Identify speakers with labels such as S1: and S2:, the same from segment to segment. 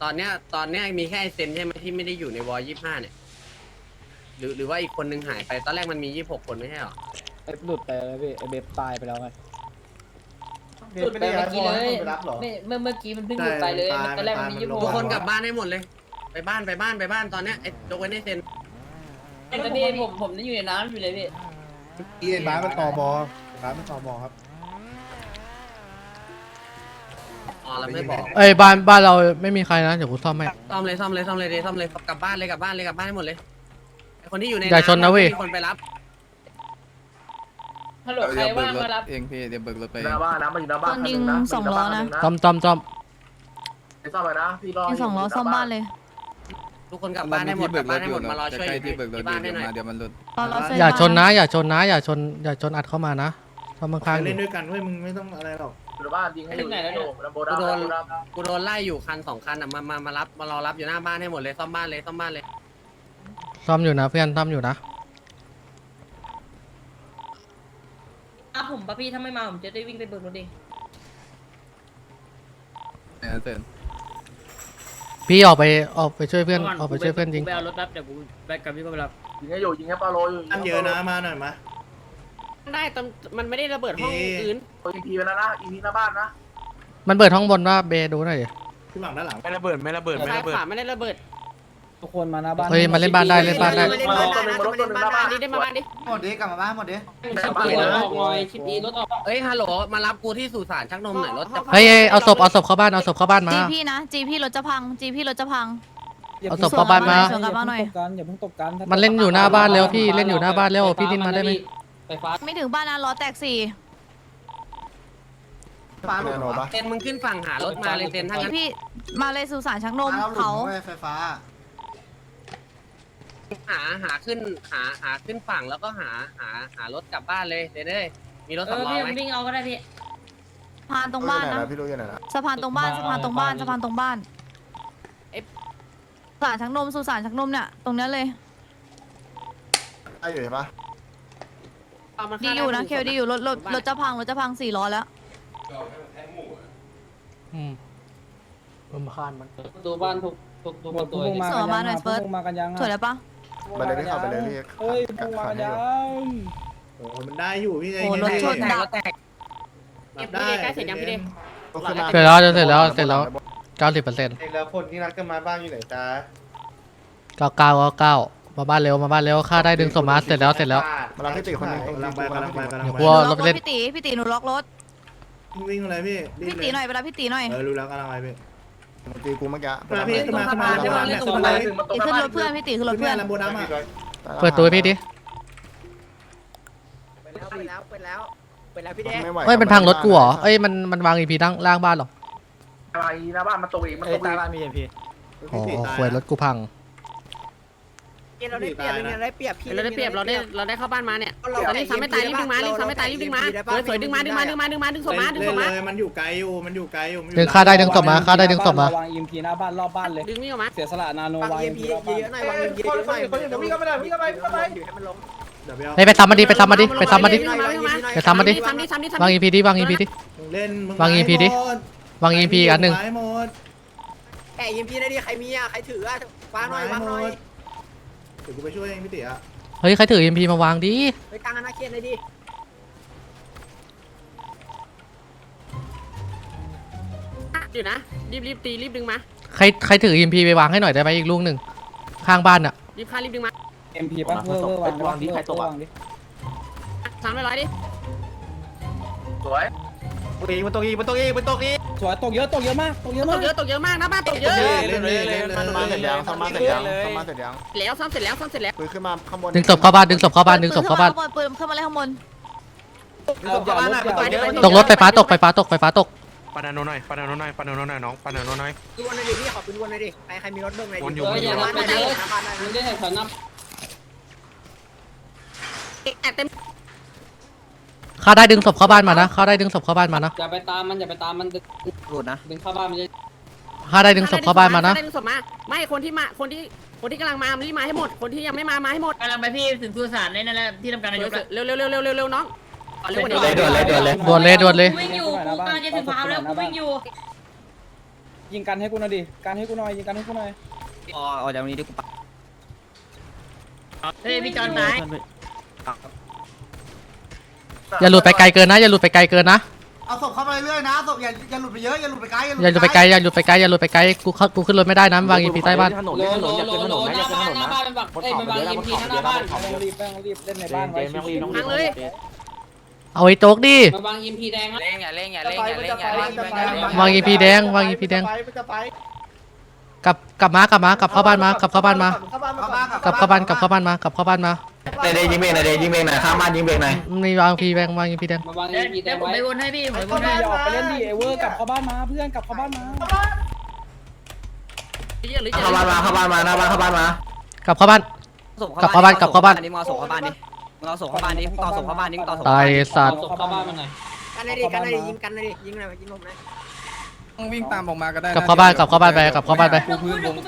S1: ตอนเนี้ยมีแค่ไอเซนใช่ไหมที่ไม่ได้อยู่ในวอล25เนี่ยหรือว่าอีกคนนึงหายไปตอนแรกมันมี26คนไม่ใช่หรอ
S2: ไอ้หลุดไปแล้วพี่ไอ้เบฟตายไปแล้วไง
S3: หลุดไปเมื่อกี้เลยเมื่อกี้มันเพิ่งหลุดไปเลยตอนแรกมันมี26
S1: ทุกคนกลับบ้านให้หมดเลยไปบ้านตอนเนี้ยไอ้ยกเว้นไอเซน
S3: แต่พี่ผมนั่งอยู่ในน้ำอยู่เลยพี่
S4: อีเอ็นบ้านมันต่อบอบ้านมันต่อบอครับ
S1: อ๋อเราไม่บอก
S5: เอ้ยบ้านเราไม่มีใครนะเดี๋ยวกูซ่อมให้
S1: ซ่อมเลยซ่อมเลยกลับบ้านให้หมดเลยไอคนที่อยู่ใน
S5: อย่าชนนะเว้ย
S1: มีคนไปรับ
S3: ฮัลโหลใครว่างมารับ
S6: เองพี่เดี๋ยวเบิกรถไป
S7: หน้าบ้านนะมันอยู่หน้าบ้าน
S8: ยิงสองล้อนะ
S5: ซ่อม
S7: ไปซ่อมไปนะพี่รอ
S8: ยิงสองล้อซ่อมบ้านเลย
S1: ทุกคนกลับบ้านให้หมดมารอช่วย
S6: ใกล้ที่เบิกรถ
S1: ที่บ้านให้หน่อย
S6: เดี๋ยวมันหลุด
S8: เราเซ็
S5: อย่าชนนะ
S8: บ้
S5: อย่าชนอัดเข้ามานะซ่อมข้างๆอ
S4: เล่น
S5: ยู่
S4: ด้วยกันเว้ยมึงไม่ต้องอะไรหรอก
S7: อยู่หน้าบ้านยิงให้อยู่ลำโบดา
S1: กูโดนไล่อยู่คัน2 คันอ่ะมารอรับอยู่หน้าบ้านให้หมดเลยซ่อมบ้านเลย
S5: ซ่อมอยู่นะเพื่อนซ่อมอยู่นะ
S3: ผมป่ะพี่ถ้าไม่มาผมจะได้วิ่งไปเบิกรถเอง
S6: เสร็จ
S5: พี่ออกไปช่วยเพื่อนจริง
S3: ไปเอารถรับเดี๋ยวกูไปกับพี่ก็ไปรับ
S7: ยิงให้อยู่ยิงให้ปาโลอยู่
S4: ตั้งเยอะนะมาหน่อยมา
S1: ได้มันไม่ได้ระเบิดห้องอื่น
S7: อีพีไปแล้วนะอีพีหน้าบ้านนะ
S5: มันเปิดห้องบนว่าเบดูหน่อยดิ
S4: ที่หลังด้านหลัง
S1: ซ้ายขวาไม่ได้ระเบิด
S2: ทุกคนมาหน้าบ้าน
S5: เฮ้ยมาเล่นบ้านได้
S7: รถตัวหนึ่งหน้าบ้าน
S1: นี่ได้มาบ้านดิ
S4: หมดดิกลับมาบ้านหมดดิ
S3: ชิปดีรถออกหน่อยชิปดีรถออก
S1: เอ้ยฮัลโหลมารับกูที่สุสานชักนมหน่อยรถจะ
S5: เฮ้ยเอาศพเข้าบ้านมา
S8: จีพี่นะจีพี่รถจะพังจีพี่รถจะพัง
S5: เอาศพเข้าบ้านมา
S8: สวนกลับมาหน่อย
S2: อย่าเพิ่งตกกัน
S5: มันเล่นอยู่หน้าบ้านแล้วพี่เล่นอยู่หน้าบ้านแล้วพี่ดิ้นมาได้ไหม
S3: ไฟฟ้า
S8: ไม่ถึงบ้านนะล้อแตก4
S4: บ้านหมดหรอปะ
S1: เซนมึงขึ้นฝั่งหารถมาเลยเซนถ้างั้น
S8: พี่มาเลยสุสานชักนมเขา
S4: ไฟฟ้า
S1: หาขึ้นฝั่งแล้วก็หารถกลับบ้านเลยเซนเอ้ยมีรถสำรอง
S3: พี่
S1: ไหม
S3: วิ่งเอาก็ได้พี่
S8: สะพานตรงบ้านนะ
S4: พี่รู้ยังไงนะ
S8: สะพานตรงบ้านสุสานชักนมสุสานชักนมเนี่ยตรงนี้เลย
S4: ไอ้อยู่เห็นปะ
S8: ดีอยู่นะเคลดีอยู่รถจะพัง4 ล้อแล้ว
S5: ลมคานมัน
S3: ดูบ้านทุกประตู
S8: สวนมาหน่อยเฟิร์ส
S2: มากันยัง
S8: สวยแล้วปะ
S4: ไปเลยพี่ขับไปเลยพี่
S2: เฮ้ยพุ่งมากันยัง
S4: โอ้มันได้อยู่พี่
S8: โอ้รถชนดับ
S1: แตกพี่เดใกล้เสร็จยังพี่เด
S5: เสร็จแล้ว90%
S4: แล้วคนที่รักกันมาบ้างอยู่ไหนจ้า
S5: 99มาบ้านเร็วค่าได้ดึงศพมาเสร็จแล้ว
S4: มารับพี่ติคนนึงกำลังไป
S5: เดี๋ยวกลัวรถเล่น
S8: พี่ตีหนูล็อกรถ
S4: วิ่งอะไรพี่
S8: พี่ตีหน่อยเวลาพี่ตีหน่อย
S4: รู้แล้วกำลังไปพี่ตีกูเมื่อกี้
S7: ตรง
S8: ตีขึ้นรถเพื่อนพี่ตีขึ้นรถเพื่อน
S4: ลำโบดามา
S5: เปิดตัวพี่ดิ
S1: ไปแล้วพี่เด
S5: เฮ้ยมันพังรถกูเหรอเอ้ยมันวางอีพีล่างบ้านหรอ
S7: อะไรหน้าบ้านมันตกอีกมันตกอีก
S2: บ้านมีเอ็มพี
S5: อ๋อควยรถกูพัง
S1: เราได้เปรียบเราได้เข้าบ้านมาเนี่ยตอนนี้ซ้ำไม่ตายรีบดึงมาสวยดึงมาดึงศพมา
S4: มันอยู่ไกลอยู่
S5: ดึงค่าได้ดึงศพมาว
S2: างเอ็มพีหน้าบ้านรอบบ้านเลย
S1: ดึงนี่ออกมา
S2: เสียสละนาโนวางเอ็มพีรอบบ้าน
S7: วิ่งเข้าไปเลยวิ่งเข้าไป
S5: เฮ้ยไปซ้ำมาดิวางอีพีดิวางอีพีอันหนึ่ง
S1: แกยิงพี่ได้ดิใครมีอ่ะใครถืออ่ะวางหน่อยวางหน่อย
S4: เดี๋ยวกูไปช่วยเองพี่ติ๋อ่ะ
S5: เฮ้ยใครถือ MP มาวางดิ
S1: ไปกลางอนาเขตเลยดิอยู่นะรีบตีรีบดึงมา
S5: ใครถือ MP ไปวางให้หน่อยได้ไหมอีกลูกหนึ่งข้างบ้านอ่ะ
S1: รีบฆ่ารีบดึงมา
S2: เอ็มพีป่ะเวอร์วางดิใครตกวางดิ
S1: 300ดิ
S7: สวย
S2: สวยตกเยอะมาก
S1: ตกเยอะมากนะบ้านตกเยอะ
S4: เล่นมาเสร็จยังซ่อมมาเสร็จยัง
S1: แล้วซ่อมเสร็จแล้ว
S4: ปืนขึ้นมาข้างบน
S5: ดึงศพเข้าบ้านปืนขึ้นมาเลยข้างบนตกรถไฟฟ้าตก
S9: ปานาโนหน่อยน้องปานาโนหน่อย
S1: ดูวันหน่อยดิพี่ขอปืนวันหน่อยดิใครมีรถเบิ่งหน่อย
S9: วนอยู่
S3: อย่ารับไปเยอะมึงได้แข่งขันนับ
S1: เต็ม
S5: ค่าได้ดึงศพเข้าบ้านมานะ
S3: อย่าไปตามมันดึงเข้าบ้านมันจะ
S5: ค่าได้ดึงศพเข้าบ้านมานะ
S1: ดึงศพมาไม่คนที่กำลังมารีบมาให้หมดคนที่ยังไม่มาให้หมด
S3: กำลังไปพี่ถึงสุสานนั่นแหละที่ทำการนายก
S1: เร็วน้อง
S5: ด่วนเลย
S3: วิ่งอยู่กูกำลังจะถึงพาวแล้วกูวิ่งอยู่
S2: ยิงกันให้กูหน่อยดิกันให้กูหน่อยยิงกันให้กูหน่อย
S1: อ๋อเดี๋ยวนี้ดิกู
S3: เฮ้ยพี่จอนตาย
S5: อย่าหลุดไปไกลเกินนะอย่าหลุดไปไกลเกินนะ
S7: เอาศพเข้าไปเรื่อยนะศพอย่าหลุดไปเยอะอย่าหลุดไปไกล
S5: อย่าหลุดไปไกลอย่าหลุดไปไกลอย่าหลุดไปไกลกูขึ้นรถไม่ได้นะวางอีพีใต้บ้าน
S3: โลหน้าบ้านหน้าบ้านเป็นแบบเอ้ยมันวางยิมพีหน้าบ้าน
S2: ไม่ต้องรีบเล่นในบ้านไว้
S1: ทั้งเลย
S5: เอาไอ้โจ๊กดิ
S3: มันวางยิมพีแดงนะ
S1: เล่งอย่าเล่งอย่าเล่งอย่าเล่งอย่าเล่ง
S5: วางอีพีแดงวางอีพีแดงกลับมากลับเข้าบ้านมากลับเข้าบ้านมากลับเข้าบ้านมา
S7: ในเดย์ยิงเบงในเดย์ยิงเบงหน่อยข้ามบ้านยิงเบงหน่อย
S5: มีวางพีแดงวางอีพีแดง
S3: มันวางยิมพีแดงไว้
S8: ไปวนให้พี่ไปว
S2: ก็
S8: น
S2: ไม่
S8: ให้
S2: ออกไปเล่นดิเอเวอร์กลับเข้าบ้านมาเพื่อนกลับเข้าบ้านมา
S7: เข้าบ้านมาหน้าบ้านเข้าบ้านมาก
S5: ลับเข้าบ้าน
S1: นี่มึงเอาส่งเข้าบ้านดิมึงเอาส่งเข้าบ้านดิมึงต่อส่งเข้าบ้านดิมึงต่อส่ง
S5: ตายสัตว์
S3: ศพเข้าบ้านมันหน่อย
S1: กันเลยดิกันเลยดิยิงกันเลยดิยิงหน่อยยิงลมหน่อย
S6: ต้องวิ่งตามออกมาก็ได้
S5: กลับเข้าบ้านไปกลับเข้าบ้านไป
S6: กูพื้นวง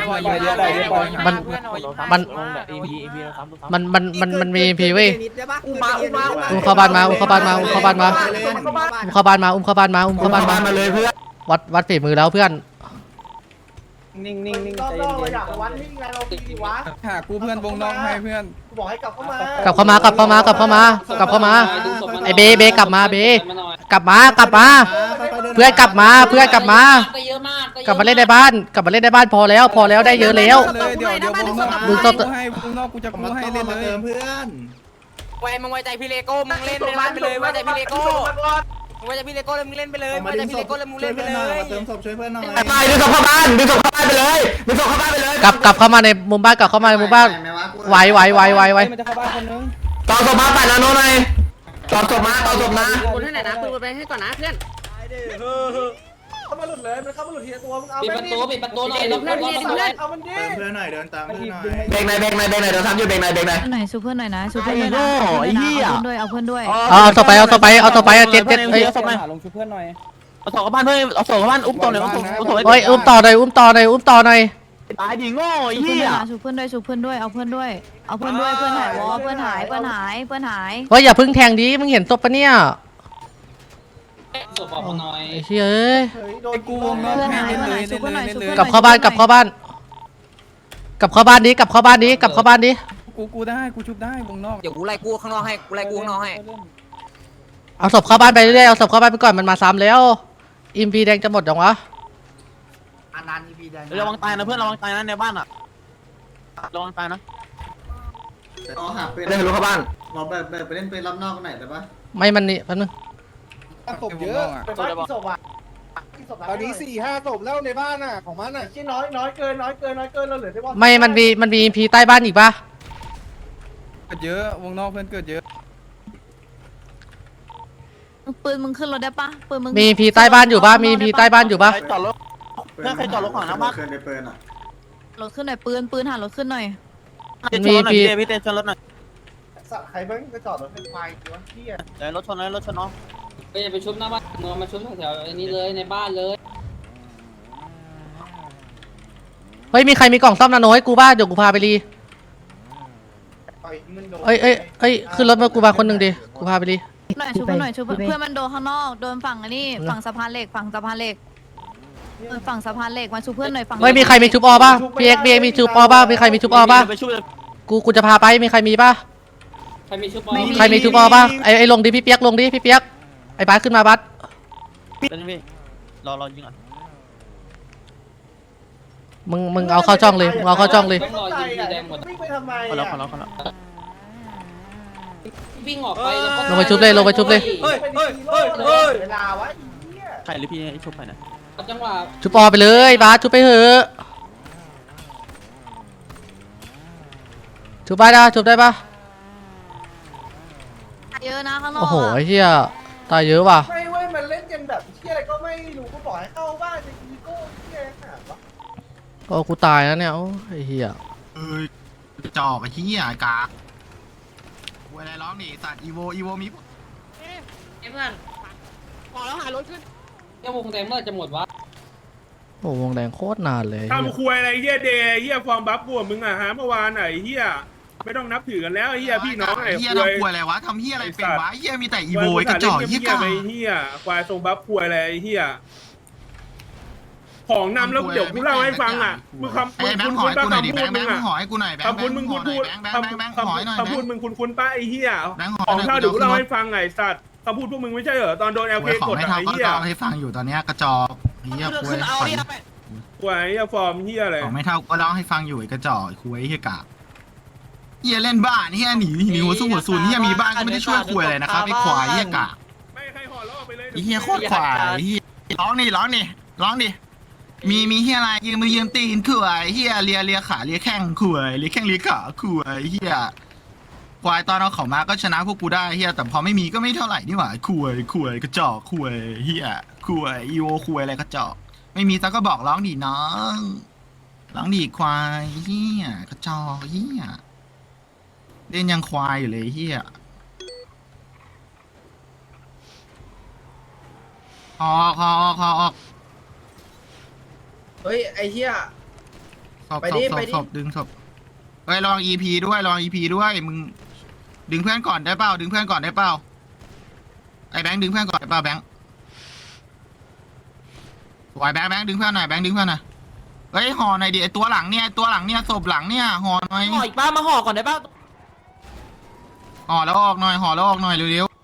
S5: มันมีพีเว้ย
S1: อุ้มมา
S5: อุ้มเข้าบ้านมาอุ้มเข้าบ้านมาอุ้มเข้าบ้านมา
S7: เลยเพื่อน
S5: วัดฝีมือแล้วเพื่อน
S2: นิ่งใจเย็น
S6: หากูเพื่อนวงนอกให้เพื่อน
S5: กลับเข้ามาไอเบกลับมาเบกลับมาเพื่อนกลับมา
S3: ก็เยอะมาก
S5: กลับมาเล่นในบ้านพอแล้วได้เยอะแล้ว
S6: เลยเดี๋ยววงนอก
S5: มึง
S6: กู
S5: ต้อง
S6: ให้วงนอกกูจะกูให้เล่นเลย
S1: มึงไว้ใจพี่เลโก้มึงเล่นในบ้านไปเลยไว้ใจพี่เลโก้มึงไว้ใจพี่เลโก้เลยมึงเล่นไปเลยไว้ใจพี่เลโก้เลยมึงเล่นไปเลย
S4: เติมศพช่วยเพื่อนหน่อย
S7: ไปดึงศพเข้าบ้านไปเลยดึงศพเข้าบ้านไปเลย
S5: กลับเข้ามาในมุมบ้านไหว
S2: มันจะเข้าบ้านคนนึง
S7: ต่อศพมาไปแล้วโน่นหน่อยต่อศพมา
S1: คุณให้ไหนนะคุณไปให้ก่อนนะเพื่อน
S3: ปิดประตูหน่อยแล้วเพื่อน
S4: เติมเพื่อนหน่อยเดินตามเพื่อนหน่อย
S7: เบรกหน่อยเดี๋ยวทำอยู่เบรกหน่อย
S8: หน่อยชูเพื่อนหน่อยนะชูเพื่อนด้วยนะเอาเพื่อนด้วย
S5: เอาต่อไปเจ็ดเฮ้ย
S2: ลงช่วยเพื่อนหน่อย
S5: เฮ้ยอุ้มต่อหน่อย
S8: ชูเพื่อนด้วยเอาเพื่อนด้วยเพื่อนหายวอเพื่อนหาย
S5: เฮ้ยอย่าพึ่งแทงดิมึงเห็นศพปะเนี่ย
S3: ศพออกมาหน่อย
S5: ไอ้เชี่ยเอ้ย
S6: ไอ้กูวงนอกให้เล่นเลย
S5: กลับเข้าบ้านดิ
S6: กูได้กูชุบได้วงนอก
S1: เดี๋ยวกูไล่กูข้างนอกให้
S5: เอาศพเข้าบ้านไปเรื่อยเอาศพเข้าบ้านไปก่อนมันมาซ้ำแล้วอิมพีแดงจะหมดยังวะ
S1: ระวังตายนะเพื่อนระวังตายนะในบ้านอ่ะระวังตายนะ
S7: เล่นรู้เข้าบ้าน
S4: เราไปเล่นปืนรับนอกไหนได้ปะ
S5: ไม่มันนี่แป๊บนึง
S4: ศพเยอะตอนนี้4-5 ศพแล้วในบ้านน่ะของมันน่ะที่น้อยเกินเราเหลือได้ว่า
S5: ไม่มันมีอิมพีใต้บ้านอีกปะ
S6: เกิดเยอะวงนอกเพื่อนเกิดเยอะ
S8: ปืนมึงขึ้นรถได้ปะปืนมึง
S5: มีอิมพีใต้บ้านอยู่ปะมีอิมพีใต้บ้านอยู่ปะ
S4: เพื่อนใครจอดรถของนะบ้านเคยได้ปืนอ่ะ
S8: รถขึ้นหน่อยปืนหารถขึ้นหน่อย
S5: มีอิมพี
S4: ใครบ้างไปจอดรถเป็นไฟวะเที่ย
S1: รถชนน้อง
S3: ไปไปชุบหน้าบ้านมึงมาชุบแถวนี้เลยในบ้านเลย
S5: เฮ้ยมีใครมีกล่องซ่อมนาโนให้กูบ้างเดี๋ยวกูพาไปรี เอ้ยขึ้นรถมากูมาคนหนึ่งดิกูพาไปรี
S8: หน่อยชูเพื่อนมันโดนข้างนอกโดนฝั่งอันนี้ฝั่งสะพานเหล็กฝั่งสะพานเหล็กมาชูเพื่อนหน่อยฝั่ง
S5: เฮ้ยมีใครมีชุบออป่ะพี่เอ็กมีชุบออป่ะมีใครมีชุบออป่ะกูจะพาไปมีใครมีป่ะ
S3: ใครมีชุบ
S5: ใครมีชุบออป่ะไอ้ลงดิพี่เปียกไอ้บัสขึ้นมาบัส
S1: รอยิงก่อน
S5: มึงเอาเข้าจ้องเลยเอาเข้าจ้องเลย
S3: ต้องรอยิงพีแดงหมด
S4: วิ่งไปทำไม
S1: คนละ
S3: วิ่งออกไปแล้วก็
S5: ลงไปชุบเลย
S4: เวลาวะ
S1: ใครหรือพี่ชุบไปนะ
S3: จังหวะ
S5: ชุบออไปเลยบัสชุบไปเถอะชุบได้ปะ
S8: เยอะนะข้างนอก
S5: โอ้โหไอ้เหี้ยตายเยอะว่ะ
S4: ไม่เว้ยมันเล่นกันแบบเที่ยอะไรก็ไม่รู้ก็บอกให้เข้าบ้านจะอีโก้เที่ยขนาดวะ
S5: ก็กูตายแล้วเนี่ยโอ้ไอ้เหี้ย
S10: จอกไอ้ที่อ่ะกากกูอะไรร้องนี่สัตว์อีโวมี
S1: เพื่อนพอแล้วหารถขึ้น
S3: เจ้าวงแดงเมื่อจะหมดวะ
S5: โอ้วงแดงโคตรนานเลย
S9: ทำควยอะไรเฮียเดย์เฮียฟอร์มบัฟกูมึงอ่ะฮะเมื่อวานไหนเฮียไม่ต้องนับถือกันแล้วเฮียพี่น้องไอ้
S10: เฮีย
S9: ควย
S10: ทำควยอะไรวะทำเฮียอะไรเป็นวะเฮียมีแต่อีโวไอ้กระจอกเฮียกา
S9: ไปเฮียควายทรงบัฟควยอะไรเฮียของนำแล้วเดี๋ยวกูเล่าให้ฟังอ่ะมึงคำ
S10: ไอ้แบงค์หอยกูหน่อยดิแบงค์แบงค์หอยกูหน่อยแบงค์
S9: คำพูดมึงพูด
S10: แบงค์หอยหน่อย
S9: คำพูดมึงคุ้นป้าไอ้เหี้ย
S10: แบงค์หอย
S9: ของเท่าเดี๋ยวกูเล่าให้ฟังไงสัตว์คำพูดพวกมึงไม่ใช่เหรอตอนโดน LK
S10: ของ
S9: กด
S10: ไม่
S9: ไอ้
S10: เท่าก็
S9: เหี้ย
S10: เล่าให้ฟังอยู่ตอนเนี้ยกระจอกเหี้ยคุย
S9: กูไอ้เหี้ยฟอร์มเหี้ยอะไร
S10: ของไม่เท่าก็เล่าให้ฟังอยู่ไอ้กระจอกคุยเหี้ยกากเหี้ยเล่นบ้านเหี้ยหนีหัวสู้หัวซูนเหี้ยมีบ้านก็ไม่ได้ช่วยคุยอะไรนะครับไอ้ควายเหี้ยกาก
S9: ไม่ใครห่อล่อไปเลย
S10: ไอ้เหี้ยโคตรควายเหี้ยร้องดิมีเหี้ยอะไรยืมตีนคุยเหี้ยเลียขาเลียแข้งคุยเลียแข้งเลียขาคุยเหี้ยควายตอนเอาเขามาก็ชนะพวกกูได้เหี้ยแต่พอไม่มีก็ไม่เท่าไหร่นี่หว่าคุยกระจอกคุยเหี้ยคุยอีโวคุยอะไรกระจอกไม่มีซักก็บอกร้องดิน้องร้องดิควายเหี้ยกระจอกเหี้ยเล่นยังควายอยู่เลยเหี้ยออก
S4: เฮ้ยไอ้เหี้ย
S10: ศพดึงศพเฮ้ยลอง EP ด้วยมึงดึงเพื่อนก่อนได้เปล่าไอ้แบงค์ดึงเพื่อนก่อนได้เปล่าแบงค์สวยแบงค์ดึงเพื่อนหน่อยเฮ้ยห่อหน่อยดิไอ้ตัวหลังเนี่ยศพหลังเนี่ยห่อหน่อย
S3: ห่ออีกป้ามาห่อก่อนได้ป่ะ
S10: ห่อแล้วออกหน่อยเร็ว